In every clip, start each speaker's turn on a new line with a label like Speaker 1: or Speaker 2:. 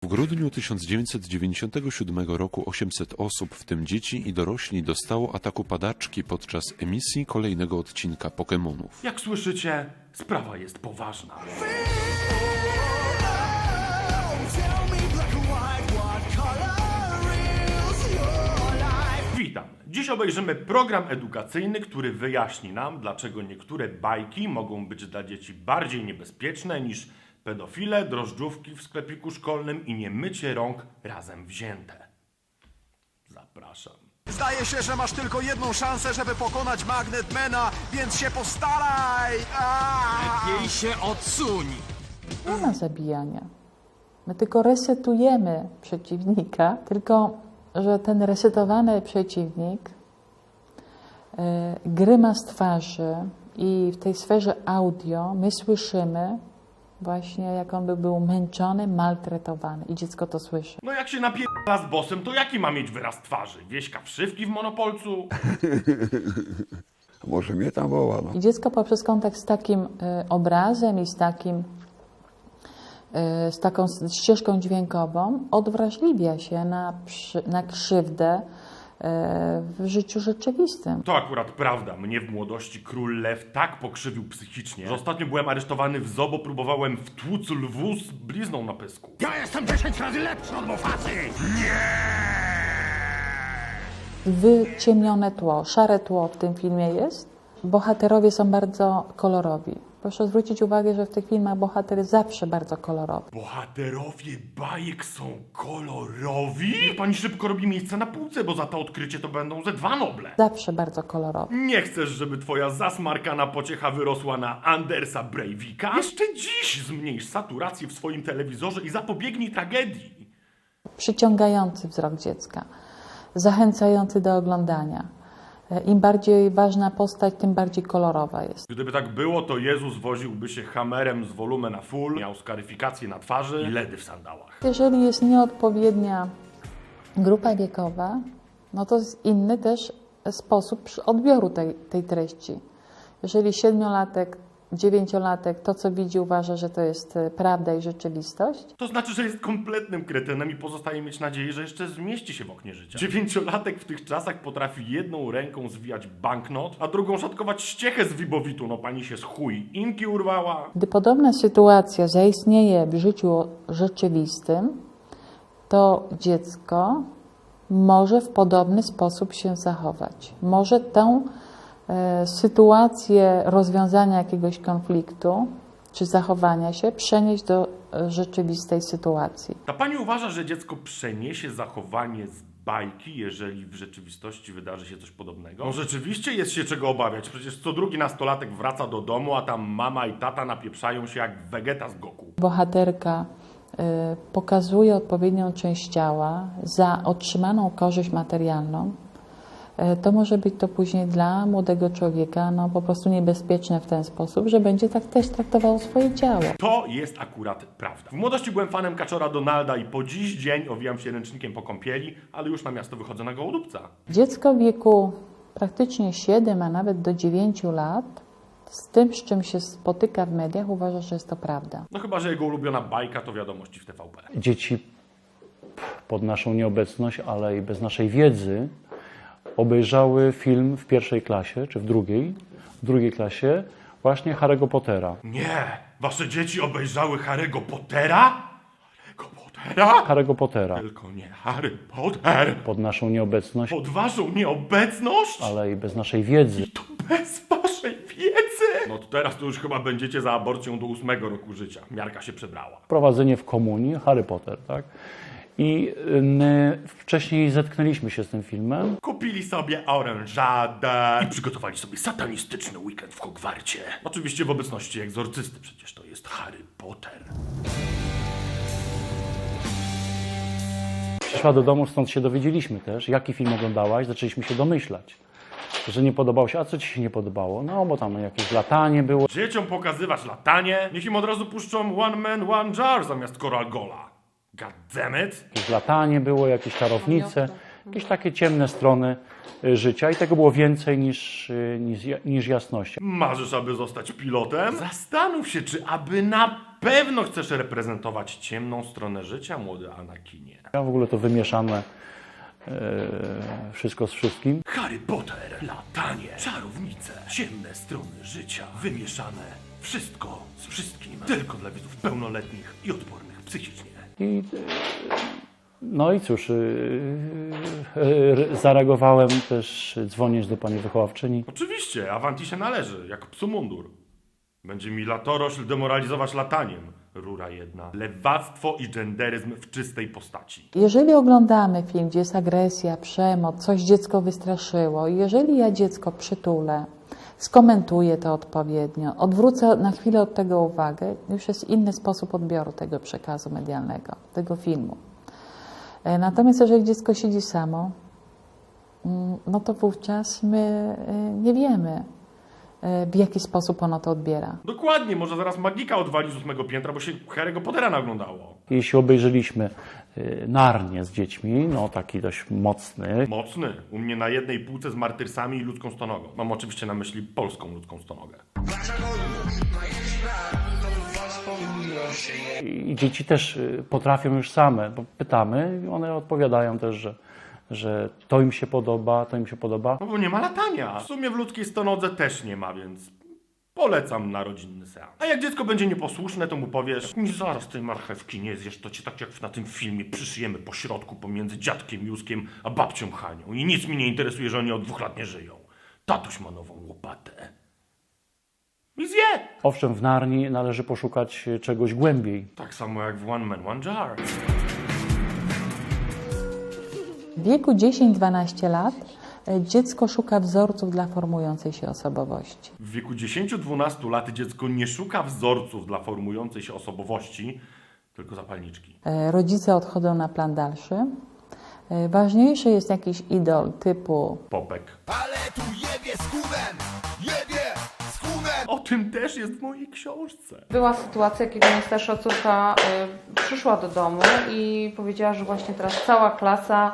Speaker 1: grudniu 1997 roku 800 osób, w tym dzieci i dorośli, dostało ataku padaczki podczas emisji kolejnego odcinka Pokemonów.
Speaker 2: Jak słyszycie, sprawa jest poważna. Witam. Dziś obejrzymy program edukacyjny, który wyjaśni nam, dlaczego niektóre bajki mogą być dla dzieci bardziej niebezpieczne niż pedofile, drożdżówki w sklepiku szkolnym i niemycie rąk razem wzięte. Zapraszam.
Speaker 3: Zdaje się, że masz tylko jedną szansę, żeby pokonać Magnetmana, więc się postaraj!
Speaker 4: Lepiej się odsuń!
Speaker 5: Nie ma zabijania. My tylko resetujemy przeciwnika, tylko że ten resetowany przeciwnik gryma z twarzy i w tej sferze audio my słyszymy właśnie, jak on by był męczony, maltretowany i dziecko to słyszy.
Speaker 2: No jak się napierdala z bossem, to jaki ma mieć wyraz twarzy? Wieśka wszywki w Monopolcu?
Speaker 6: Może mnie tam woła, no.
Speaker 5: I dziecko poprzez kontakt z takim obrazem i z taką ścieżką dźwiękową odwrażliwia się na krzywdę w życiu rzeczywistym.
Speaker 2: To akurat prawda. Mnie w młodości król lew tak pokrzywił psychicznie, że ostatnio byłem aresztowany w zoo, bo próbowałem wtłuc lwu z blizną na pysku.
Speaker 4: Ja jestem 10 razy lepszy od Mufazy!
Speaker 5: Wyciemnione tło, szare tło w tym filmie jest. Bohaterowie są bardzo kolorowi. Proszę zwrócić uwagę, że w tych filmach bohater jest zawsze bardzo kolorowy.
Speaker 2: Bohaterowie bajek są kolorowi? Niech pani szybko robi miejsce na półce, bo za to odkrycie to będą ze 2 Noble.
Speaker 5: Zawsze bardzo kolorowy.
Speaker 2: Nie chcesz, żeby twoja zasmarkana pociecha wyrosła na Andersa Breivika? Jeszcze dziś zmniejsz saturację w swoim telewizorze i zapobiegnij tragedii.
Speaker 5: Przyciągający wzrok dziecka, zachęcający do oglądania. Im bardziej ważna postać, tym bardziej kolorowa jest.
Speaker 2: Gdyby tak było, to Jezus woziłby się hamerem z wolumem na full, miał skaryfikację na twarzy i ledy w sandałach.
Speaker 5: Jeżeli jest nieodpowiednia grupa wiekowa, no to jest inny też sposób odbioru tej treści. Jeżeli 7-latek, 9-latek to, co widzi, uważa, że to jest prawda i rzeczywistość,
Speaker 2: To znaczy, że jest kompletnym kretynem i pozostaje mieć nadzieję, że jeszcze zmieści się w oknie życia. 9-latek w tych czasach potrafi jedną ręką zwijać banknot, a drugą szatkować ściechę z wibowitu. No pani się z chuj inki urwała.
Speaker 5: gdy podobna sytuacja zaistnieje w życiu rzeczywistym, to dziecko może w podobny sposób się zachować. Może tę sytuację rozwiązania jakiegoś konfliktu czy zachowania się przenieść do rzeczywistej sytuacji.
Speaker 2: Ta pani uważa, że dziecko przeniesie zachowanie z bajki, jeżeli w rzeczywistości wydarzy się coś podobnego? No rzeczywiście jest się czego obawiać. Przecież co drugi nastolatek wraca do domu, a tam mama i tata napieprzają się jak Vegeta z Goku.
Speaker 5: Bohaterka pokazuje odpowiednią część ciała za otrzymaną korzyść materialną. To może być to później dla młodego człowieka po prostu niebezpieczne w ten sposób, że będzie tak też traktował swoje ciało.
Speaker 2: To jest akurat prawda. W młodości byłem fanem Kaczora Donalda i po dziś dzień owijam się ręcznikiem po kąpieli, ale już na miasto wychodzę na gołodupca.
Speaker 5: Dziecko w wieku praktycznie 7, a nawet do 9 lat z tym, z czym się spotyka w mediach, uważa, że jest to prawda.
Speaker 2: No chyba, że jego ulubiona bajka to wiadomości w TVP.
Speaker 7: Dzieci pod naszą nieobecność, ale i bez naszej wiedzy obejrzały film w 1. klasie, czy w drugiej klasie, właśnie Harry'ego Pottera.
Speaker 2: Nie! Wasze dzieci obejrzały Harry'ego Pottera? Harry'ego Pottera?
Speaker 7: Harry'ego Pottera.
Speaker 2: Tylko nie Harry Potter!
Speaker 7: Pod naszą nieobecność,
Speaker 2: Pod waszą nieobecność?
Speaker 7: ale i bez naszej wiedzy.
Speaker 2: To bez waszej wiedzy! No to teraz to już chyba będziecie za aborcją do 8 roku życia. Miarka się przebrała.
Speaker 7: Wprowadzenie w komunii, Harry Potter, tak? I my wcześniej zetknęliśmy się z tym filmem.
Speaker 2: Kupili sobie orężadę i przygotowali sobie satanistyczny weekend w Hogwarcie. Oczywiście w obecności egzorcysty, przecież to jest Harry Potter.
Speaker 7: Przyszła do domu, stąd się dowiedzieliśmy też, jaki film oglądałaś, zaczęliśmy się domyślać, że nie podobało się. A co ci się nie podobało? No, bo tam jakieś latanie było.
Speaker 2: Dzieciom pokazywać latanie? Niech im od razu puszczą One Man, One Jar zamiast Coral Gola. God damn it.
Speaker 7: Jakieś latanie było, jakieś czarownice. jakieś takie ciemne strony życia i tego było więcej niż jasności.
Speaker 2: Marzysz, aby zostać pilotem? Zastanów się, czy aby na pewno chcesz reprezentować ciemną stronę życia, młody Anakinie.
Speaker 7: Ja w ogóle to wymieszane wszystko z wszystkim.
Speaker 2: Harry Potter, latanie, czarownice, ciemne strony życia, wymieszane. Wszystko z wszystkim. Tylko dla widzów pełnoletnich i odpornych psychicznie.
Speaker 7: No i cóż, zareagowałem też dzwoniąc do pani wychowawczyni.
Speaker 2: Oczywiście, Avanti się należy, jak psu mundur. Będzie mi latorośl demoralizować lataniem. Rura jedna. Lewactwo i genderyzm w czystej postaci.
Speaker 5: Jeżeli oglądamy film, gdzie jest agresja, przemoc, coś dziecko wystraszyło, i jeżeli ja dziecko przytulę, skomentuję to odpowiednio, odwrócę na chwilę od tego uwagę, już jest inny sposób odbioru tego przekazu medialnego, tego filmu. Natomiast jeżeli dziecko siedzi samo, no to wówczas my nie wiemy, w jaki sposób ono to odbiera.
Speaker 2: Dokładnie, może zaraz magika odwali z 8 piętra, bo się Harry'ego Pottera naoglądało.
Speaker 7: Jeśli obejrzeliśmy Narnię z dziećmi, no taki dość mocny,
Speaker 2: Mocny. U mnie na jednej półce z martyrsami i ludzką stonogą. Mam oczywiście na myśli polską ludzką stonogę.
Speaker 7: i dzieci też potrafią już same, bo pytamy i one odpowiadają też, że to im się podoba, to im się podoba.
Speaker 2: No bo nie ma latania. W sumie w ludzkiej stonodze też nie ma, więc polecam na rodzinny seans. A jak dziecko będzie nieposłuszne, to mu powiesz: "Nie, zaraz tej marchewki nie zjesz, to cię tak jak na tym filmie przyszyjemy po środku pomiędzy dziadkiem Józkiem a babcią Hanią. I nic mi nie interesuje, że oni od 2 lat nie żyją. Tatuś ma nową łopatę. I zje!"
Speaker 7: Owszem, w Narni należy poszukać czegoś głębiej.
Speaker 2: Tak samo jak w One Man, One Jar.
Speaker 5: W wieku 10-12 lat dziecko szuka wzorców dla formującej się osobowości.
Speaker 2: W wieku 10-12 lat dziecko nie szuka wzorców dla formującej się osobowości, tylko zapalniczki.
Speaker 5: Rodzice odchodzą na plan dalszy. Ważniejszy jest jakiś idol typu
Speaker 2: Popek.
Speaker 3: Ale tu jebie z chudem! Jebie z chudem!
Speaker 2: O tym też jest w mojej książce.
Speaker 6: Była sytuacja, kiedy najstarsza córka przyszła do domu i powiedziała, że właśnie teraz cała klasa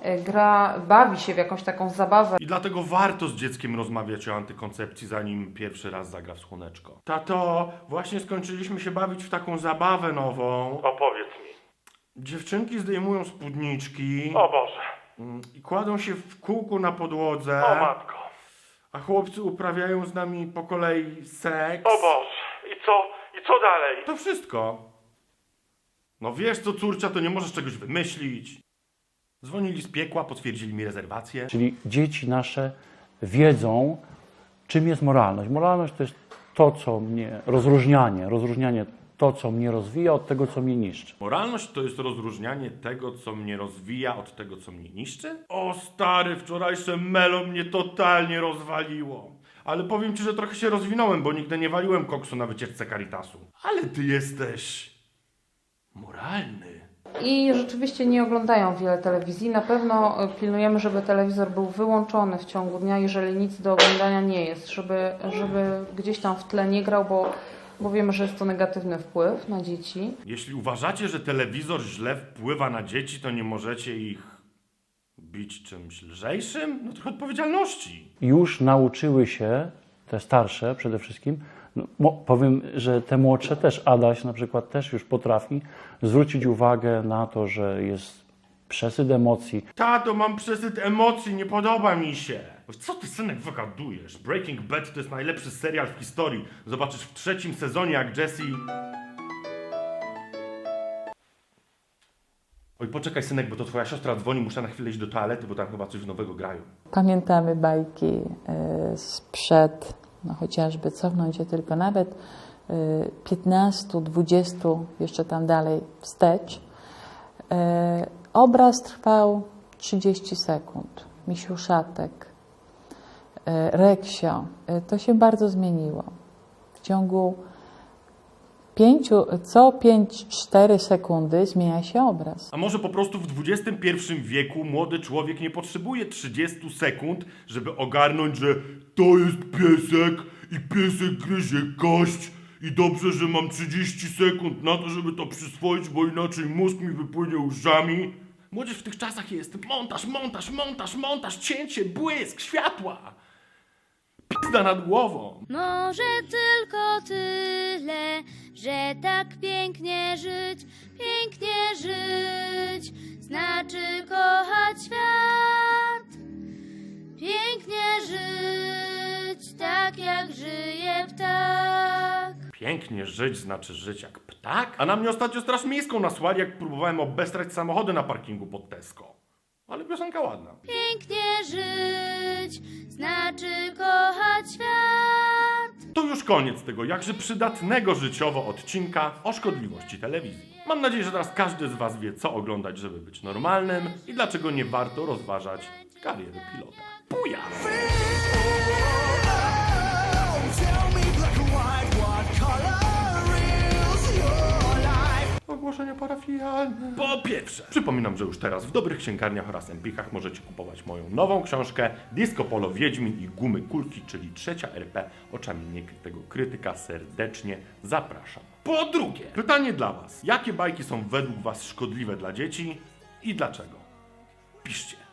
Speaker 6: bawi się w jakąś taką zabawę.
Speaker 2: I dlatego warto z dzieckiem rozmawiać o antykoncepcji, zanim pierwszy raz zagra w słoneczko. Tato, właśnie skończyliśmy się bawić w taką zabawę nową. Opowiedz mi. Dziewczynki zdejmują spódniczki. O Boże. I kładą się w kółku na podłodze. O matko. A chłopcy uprawiają z nami po kolei seks. O Boże. I co dalej? To wszystko. No wiesz co, córcia, to nie możesz czegoś wymyślić. Dzwonili z piekła, potwierdzili mi rezerwację.
Speaker 7: Czyli dzieci nasze wiedzą, czym jest moralność. Moralność to jest to, co mnie, rozróżnianie to, co mnie rozwija, od tego, co mnie niszczy.
Speaker 2: Moralność to jest rozróżnianie tego, co mnie rozwija, od tego, co mnie niszczy? O stary, wczorajsze melo mnie totalnie rozwaliło. Ale powiem ci, że trochę się rozwinąłem, bo nigdy nie waliłem koksu na wycieczce Caritasu. Ale ty jesteś moralny.
Speaker 6: I rzeczywiście nie oglądają wiele telewizji. Na pewno pilnujemy, żeby telewizor był wyłączony w ciągu dnia, jeżeli nic do oglądania nie jest, żeby gdzieś tam w tle nie grał, bo wiemy, że jest to negatywny wpływ na dzieci.
Speaker 2: Jeśli uważacie, że telewizor źle wpływa na dzieci, to nie możecie ich bić czymś lżejszym? No trochę odpowiedzialności.
Speaker 7: Już nauczyły się, te starsze przede wszystkim, no, powiem, że te młodsze też, Adaś na przykład też już potrafi zwrócić uwagę na to, że jest przesyt emocji.
Speaker 2: Tato, mam przesyt emocji, nie podoba mi się. Co ty, synek, wygadujesz? Breaking Bad to jest najlepszy serial w historii. Zobaczysz w 3. sezonie, jak Jesse... Oj, poczekaj, synek, bo to twoja siostra dzwoni, muszę na chwilę iść do toalety, bo tam chyba coś nowego grają.
Speaker 5: Pamiętamy bajki sprzed, no chociażby cofnąć się tylko nawet 15, 20, jeszcze tam dalej wstecz. Obraz trwał 30 sekund. Misiuszatek, Reksio. To się bardzo zmieniło. W ciągu co 5-4 sekundy zmienia się obraz.
Speaker 2: A może po prostu w XXI wieku młody człowiek nie potrzebuje 30 sekund, żeby ogarnąć, że to jest piesek i piesek gryzie kość i dobrze, że mam 30 sekund na to, żeby to przyswoić, bo inaczej mózg mi wypłynie uszami. Młodzież w tych czasach jest montaż, cięcie, błysk, światła. Pizda nad głową.
Speaker 8: Może tylko tyle, że tak pięknie żyć, znaczy kochać świat. Pięknie żyć, tak jak żyje ptak.
Speaker 2: Pięknie żyć znaczy żyć jak ptak? A na mnie ostatnio straż miejską nasłali, jak próbowałem obestrać samochody na parkingu pod Tesco. Ale piosenka ładna.
Speaker 8: Pięknie żyć, znaczy kochać świat.
Speaker 2: To już koniec tego jakże przydatnego życiowo odcinka o szkodliwości telewizji. Mam nadzieję, że teraz każdy z was wie, co oglądać, żeby być normalnym i dlaczego nie warto rozważać kariery pilota. Buja! Ogłoszenia parafialne. Po pierwsze, przypominam, że już teraz w dobrych księgarniach oraz Empikach możecie kupować moją nową książkę Disco Polo Wiedźmin i Gumy Kulki, czyli trzecia RP oczami niekrytego krytyka. Serdecznie zapraszam. Po drugie, pytanie dla was. Jakie bajki są według was szkodliwe dla dzieci i dlaczego? Piszcie.